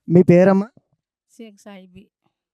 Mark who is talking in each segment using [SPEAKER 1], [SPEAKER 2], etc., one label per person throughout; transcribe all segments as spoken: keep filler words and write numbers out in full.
[SPEAKER 1] మీ పేరమ్మా?
[SPEAKER 2] షేక్ సాయిబి.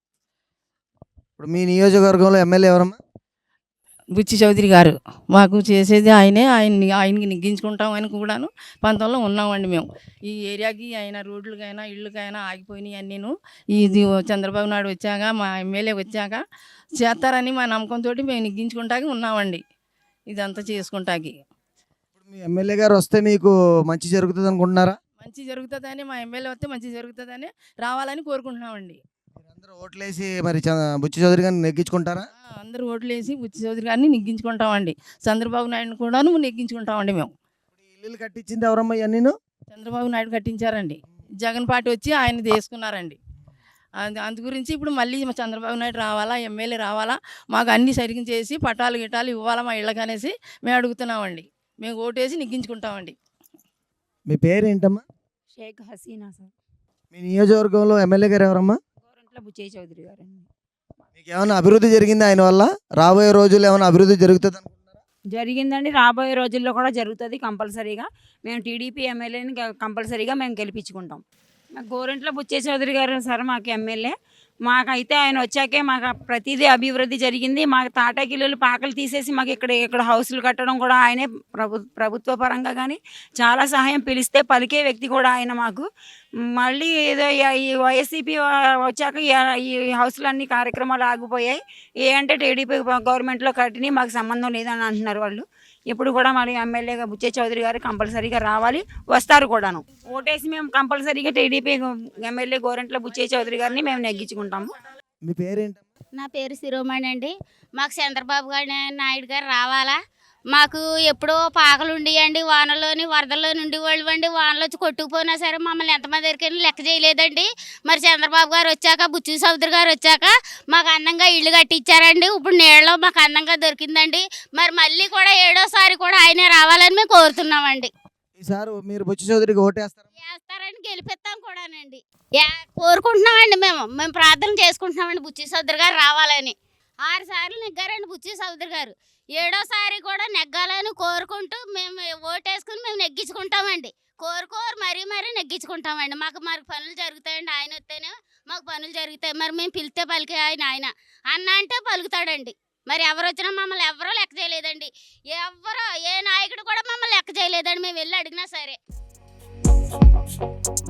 [SPEAKER 1] ఇప్పుడు మీ నియోజకవర్గంలో ఎమ్మెల్యే ఎవరమ్మా?
[SPEAKER 2] బుచ్చి చౌదరి గారు. మాకు చేసేది ఆయనే. ఆయన్ని ఆయనకి నెగ్గించుకుంటాం అని కూడాను పంతంలో ఉన్నామండి మేము. ఈ ఏరియాకి ఆయన రోడ్లకైనా ఇళ్ళకైనా ఆగిపోయినాయి అన్నీను. ఇది చంద్రబాబు నాయుడు వచ్చాక, మా ఎమ్మెల్యే వచ్చాక చేస్తారని మా నమ్మకంతో మేము నెగ్గించుకుంటాకి ఉన్నామండి. ఇదంతా చేసుకుంటాకి
[SPEAKER 1] ఇప్పుడు మీ ఎమ్మెల్యే గారు వస్తే మీకు మంచి జరుగుతుంది అనుకుంటున్నారా?
[SPEAKER 2] మంచి జరుగుతుందని, మా ఎమ్మెల్యే వస్తే మంచి జరుగుతుందని రావాలని కోరుకుంటున్నామండి.
[SPEAKER 1] మీరందరూ ఓట్లేసి మరి చ- బుచ్చి చౌదరి గారిని నెగ్గించుకుంటారా?
[SPEAKER 2] ఆ, అందరూ ఓట్లు వేసి బుచ్చి చౌదరి గారిని నెగ్గించుకుంటామండి. చంద్రబాబు నాయుడుని కూడాను నెగ్గించుకుంటామండి మేము.
[SPEAKER 1] ఇప్పుడు ఈ ఇల్లులు కట్టించింది ఎవరమ్మా ఇవన్నీ?
[SPEAKER 2] చంద్రబాబు నాయుడు కట్టించారండి. జగన్ పార్టీ వచ్చి ఆయన తీసుకున్నారండి. అందు అందు గురించి ఇప్పుడు మళ్ళీ మా చంద్రబాబు నాయుడు రావాలా, ఎమ్మెల్యే రావాలా, మాకు అన్నీ సరిగ్గా చేసి పటాలు గిటాలు ఇవ్వాలా మా ఇళ్ళకనేసి మేము అడుగుతున్నామండి. మేము ఓటేసి నెగ్గించుకుంటామండి.
[SPEAKER 1] మీ పేరు ఏంటమ్మా?
[SPEAKER 3] షేక్ హసీనా సార్.
[SPEAKER 1] మీ నియోజకవర్గంలో ఎమ్మెల్యే గారు ఎవరమ్మా?
[SPEAKER 3] గోరంట్ల బుచ్చయ్య చౌదరి గారండి.
[SPEAKER 1] మీకు ఏమైనా అభివృద్ధి జరిగింది ఆయన వల్ల? రాబోయే రోజుల్లో ఏమైనా అభివృద్ధి జరుగుతుంది అనుకుంటున్నారా?
[SPEAKER 3] జరిగిందండి, రాబోయే రోజుల్లో కూడా జరుగుతుంది కంపల్సరీగా. మేము టీడీపీ ఎమ్మెల్యేని కంపల్సరీగా మేము గెలిపించుకుంటాం. మాకు గోరంట్ల బుచ్చయ్య చౌదరి గారు సార్ మాకు ఎమ్మెల్యే. మాకైతే ఆయన వచ్చాకే మాకు ప్రతిదీ అభివృద్ధి జరిగింది. మాకు తాటాకిల్లులు పాకలు తీసేసి మాకు ఇక్కడ ఇక్కడ హౌసులు కట్టడం కూడా ఆయనే. ప్రభు ప్రభుత్వ పరంగా కానీ చాలా సహాయం, పిలిస్తే పలికే వ్యక్తి కూడా ఆయన మాకు. మళ్ళీ ఏదో ఈ- ఈ వైఎస్సీపీ వచ్చాక ఈ- ఈ హౌసులన్నీ కార్యక్రమాలు ఆగిపోయాయి. ఏ అంటే టీడీపీ గవర్నమెంట్లో కట్టిని మాకు సంబంధం లేదని అంటున్నారు వాళ్ళు. ఇప్పుడు కూడా మరి ఎమ్మెల్యేగా బుచ్చయ్య చౌదరి గారు కంపల్సరీగా రావాలి, వస్తారు కూడాను. ఓటేసి మేము కంపల్సరీగా టీడీపీ ఎమ్మెల్యే గోరంట్ల బుచ్చయ్య చౌదరి గారిని మేము నెగ్గించుకుంటాము.
[SPEAKER 1] మీ పేరేంటమ్మా?
[SPEAKER 4] నా పేరు శిరోమణి అండి. మాకు చంద్రబాబు గారి నాయుడు గారు రావాలా. మాకు ఎప్పుడో పాకలు ఉండేయండి, వానలోని వరదల్లోని ఉండేవాళ్ళు అండి. వానలో వచ్చి కొట్టుకుపోయినా సరే మమ్మల్ని ఎంతమంది దగ్గరికి లెక్క చేయలేదండి. మరి చంద్రబాబు గారు వచ్చాక, బుచ్చి చౌదరి గారు వచ్చాక మాకు అందంగా ఇల్లు కట్టించారండి. ఇప్పుడు నీళ్ళలో మాకు అందంగా దొరికిందండి. మరి మళ్ళీ కూడా ఏడోసారి కూడా ఆయనే రావాలని మేము కోరుతున్నామండి.
[SPEAKER 1] ఈసారి మీరు బుచ్చి చౌదరికి ఓటేస్తారా?
[SPEAKER 4] చేస్తారని గెలిపిస్తాం కూడానండి. యా- కోరుకుంటున్నామండి. మేము మేము ప్రార్థన చేసుకుంటున్నామండి బుచ్చి చౌదరి గారు రావాలని. ఆరు సార్లు నెగ్గారండి బుచ్చి చౌదరి గారు. ఏడోసారి కూడా నెగ్గాలని కోరుకుంటూ మేము ఓటేసుకుని మేము నెగ్గించుకుంటామండి. కోరుకోరు మరీ మరీ నెగ్గించుకుంటామండి. మాకు మరి పనులు జరుగుతాయండి. ఆయన వస్తేనే మాకు పనులు జరుగుతాయి. మరి మేము పిలిస్తే పలికే ఆయన ఆయన అన్న అంటే పలుకుతాడండి. మరి ఎవరు వచ్చినా మమ్మల్ని ఎవరో లెక్క చేయలేదండి. ఎవరో ఏ నాయకుడు కూడా మమ్మల్ని లెక్క చేయలేదండి. మేము వెళ్ళి అడిగినా సరే.